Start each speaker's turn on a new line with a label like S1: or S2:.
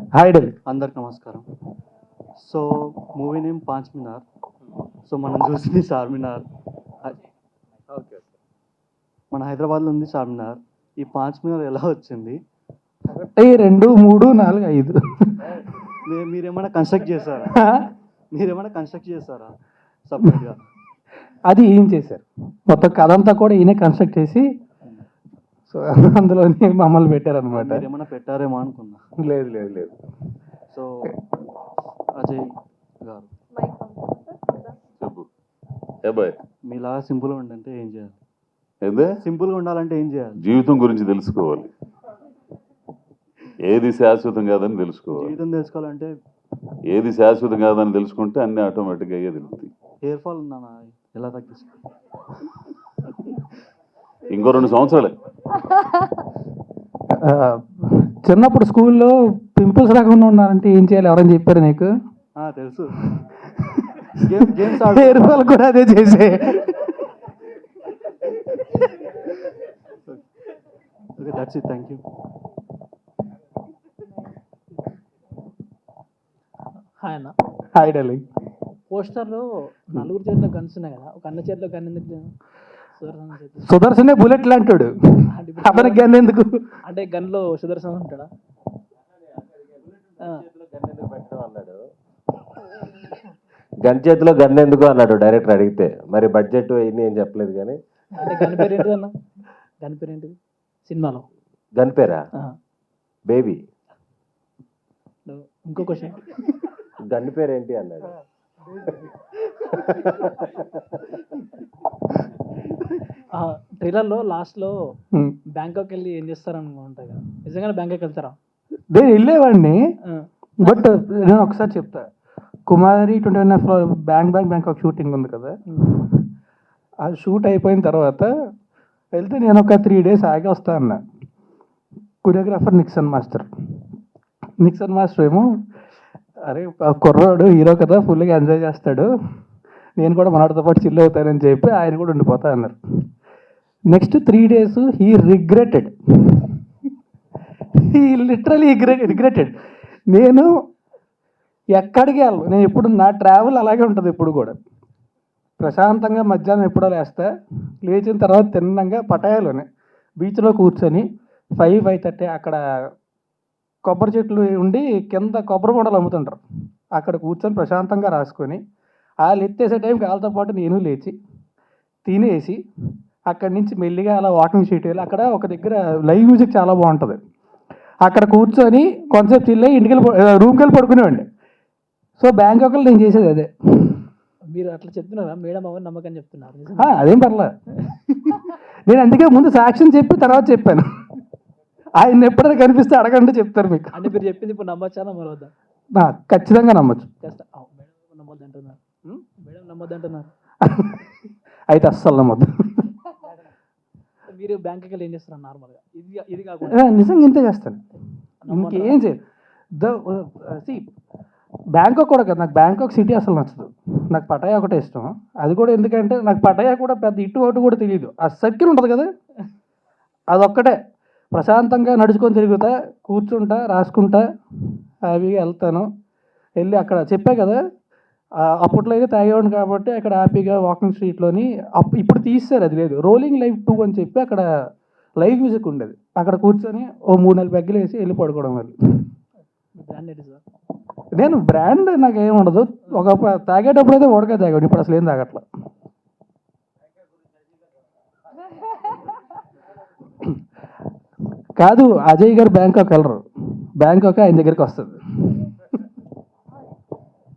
S1: Hi Delhi.
S2: అందరికి నమస్కారం. So movie name Panch Minar. So మనం చూసింది చార్మినార్.
S3: ఓకే.
S2: మన హైదరాబాద్లో ఉంది చార్మినార్. ఈ పాంచ్ మినార్ ఎలా వచ్చింది?
S1: 1 2 3 4 5
S2: మీరేమైనా కన్స్ట్రక్ట్ చేశారా సపరేట్గా?
S1: అది ఏం చేశారు, మొత్తం కథ అంతా కూడా ఈయన కన్స్ట్రక్ట్ చేసి సో అందులోనే మమ్మల్ని పెట్టారనమాట.
S2: మీరేమైనా పెట్టారేమో అనుకున్నా.
S1: లేదు లేదు లేదు.
S2: సో అజయ్ గారు,
S3: చెప్పు ఏబాయ్.
S2: మీలాగా సింపుల్గా ఉండంటే ఏం చేయాలి?
S3: ఏందే
S2: సింపుల్గా ఉండాలంటే ఏం చేయాలి?
S3: జీవితం గురించి తెలుసుకోవాలి, ఏది శాశ్వతం కాదని తెలుసుకోవాలి.
S2: జీవితం తెలుసుకోవాలంటే
S3: ఏది శాశ్వతం కాదని తెలుసుకుంటే అన్నీ ఆటోమేటిక్గా అయ్యే తెలుస్తాయి.
S2: హెయిర్ ఫాల్ ఉందా? ఎలా తగ్గిస్తుంది?
S3: ఇంకో 2 సంవత్సరాలే.
S1: చిన్నప్పుడు స్కూల్లో పింపుల్స్ రాకుండా ఉన్నారంటే ఏం చేయాలి, ఎవరైనా చెప్పారు నీకు?
S2: తెలుసు. గేమ్స్
S1: హెయిర్ ఫాల్ కూడా అదే చేసే.
S2: Okay, that's it. Thank you.
S4: Hi అన్న.
S1: హాయ్ ఢిల్లీ.
S4: పోస్టర్లో 4 చేతిలో గన్స్ ఉన్నాయి కదా, ఒక అన్న చేతిలో గన్ ఎందుకు లేదు? సుదర్శన్ చేతిలో.
S1: సుదర్శనే బుల్లెట్ లాంటాడు, అతనికి గన్ ఎందుకు?
S4: అంటే గన్లో సుదర్శన్ ఉంటాడా?
S5: గన్ చేతిలో గన్ ఎందుకు అన్నాడు డైరెక్టర్ అడిగితే. మరి బడ్జెట్ ఇన్ని ఏం చెప్పలేదు కానీ.
S4: అంటే గన్ పేరు ఏంటిది అన్న? గన్ పేరు ఏంటిది సినిమాలో?
S5: గన్ పేరా? బేబీ.
S4: ఇంకో క్వశ్చన్,
S5: గన్ పేరు ఏంటి అన్నాడు.
S4: ట్రైలర్లో లాస్ట్లో బ్యాంకాక్ వెళ్ళి ఏం చేస్తారని ఉంటాయి కదా, నిజంగానే బ్యాంకాక్ వెళ్తారా?
S1: నేను వెళ్ళేవాడిని, బట్ నేను ఒకసారి చెప్తా. కుమారి 21 బ్యాంకాక్ షూటింగ్ ఉంది కదా, ఆ షూట్ అయిపోయిన తర్వాత వెళ్తే నేను ఒక 3 days ఆగి వస్తా అన్న. కొరియోగ్రాఫర్ నిక్సన్ మాస్టర్ ఏమో, అరే కుర్రాడు హీరో కదా, ఫుల్గా ఎంజాయ్ చేస్తాడు, నేను కూడా మనవాడితో పాటు చిల్ అవుతానని చెప్పి ఆయన కూడా ఉండిపోతా అన్నారు. Next 3 days he regretted. He literally regretted. నేను ఎక్కడికి వెళ్ళను, నేను ఎప్పుడు నా ట్రావెల్ అలాగే ఉంటుంది. ఎప్పుడు కూడా ప్రశాంతంగా మధ్యాహ్నం ఎప్పుడో లేచిన తర్వాత తిన్నంగా పటాయాలోనే బీచ్లో కూర్చొని 5-5:30 అక్కడ కొబ్బరి చెట్లు ఉండి కింద కొబ్బరి బొండలు అమ్ముతుంటారు, అక్కడ కూర్చొని ప్రశాంతంగా రాసుకొని వాళ్ళు ఎత్తేసే టైంకి వాళ్ళతో పాటు నేను లేచి తినేసి అక్కడి నుంచి మెల్లిగా అలా వాకింగ్ షీట్ వెళ్ళి అక్కడ ఒక దగ్గర లైవ్ మ్యూజిక్ చాలా బాగుంటుంది, అక్కడ కూర్చొని కొంతసేపు చిల్లై ఇంటికి రూమ్కి వెళ్ళి పడుకునేవాడిని. సో బ్యాంకాక్లో నేను చేసేది అదే.
S4: మీరు అట్లా చెప్తున్నారా? మేడం అవన్నీ నమ్మకం చెప్తున్నారు.
S1: అదేం పర్లే. నేను అందుకే ముందు సాక్ష్యం చెప్పి తర్వాత చెప్పాను. ఆయన ఎప్పుడైనా కనిపిస్తే అడగండి, చెప్తారు మీకు.
S4: అంటే మీరు చెప్పింది ఇప్పుడు నమ్మొచ్చా నమ్మవద్దా?
S1: ఖచ్చితంగా నమ్మచ్చు.
S4: మేడం నమ్మొద్దు అంటున్నారు. మేడం నమ్మొద్దు అంటున్నారు.
S1: అయితే అస్సలు నమ్మద్దు.
S4: మీరు బ్యాంకుకి వెళ్ళి ఏం చేస్తారు నార్మల్గా? ఇది కాకుండా
S1: నిజంగా ఇంతే చేస్తాను, ఇంకేం చేయదు. బ్యాంకాక్ కూడా కదా, నాకు బ్యాంకాక్ సిటీ అసలు నచ్చదు, నాకు పటాయా ఒకటే ఇష్టం. అది కూడా ఎందుకంటే నాకు పటాయా కూడా పెద్ద ఇటు అటు కూడా తెలియదు. ఆ సర్కిల్ ఉంటుంది కదా, అదొక్కటే ప్రశాంతంగా నడుచుకొని తిరుగుతా, కూర్చుంటా, రాసుకుంటా, హ్యాపీగా వెళ్తాను. వెళ్ళి అక్కడ చెప్పా కదా, అప్పట్లో అయితే తాగేవాడిని కాబట్టి అక్కడ హ్యాపీగా వాకింగ్ స్ట్రీట్లోని ఇప్పుడు తీస్తారు, అది లేదు, రోలింగ్ లైవ్ 2 అని చెప్పి అక్కడ లైవ్ మ్యూజిక్ ఉండేది, అక్కడ కూర్చొని ఓ 3-4 పెగ్గలు వేసి వెళ్ళి పడుకోవడం. వెళ్ళి
S4: బ్రాండ్ ఏంటి సార్?
S1: నేను బ్రాండ్ నాకేం ఉండదు, ఒక తాగేటప్పుడు అయితే ఓడగా తాగాడు, ఇప్పుడు అసలు ఏం తాగట్లా. కాదు, అజయ్ గారు బ్యాంకాక్ వెళ్ళరు, బ్యాంకాక్ ఆయన దగ్గరికి వస్తుంది.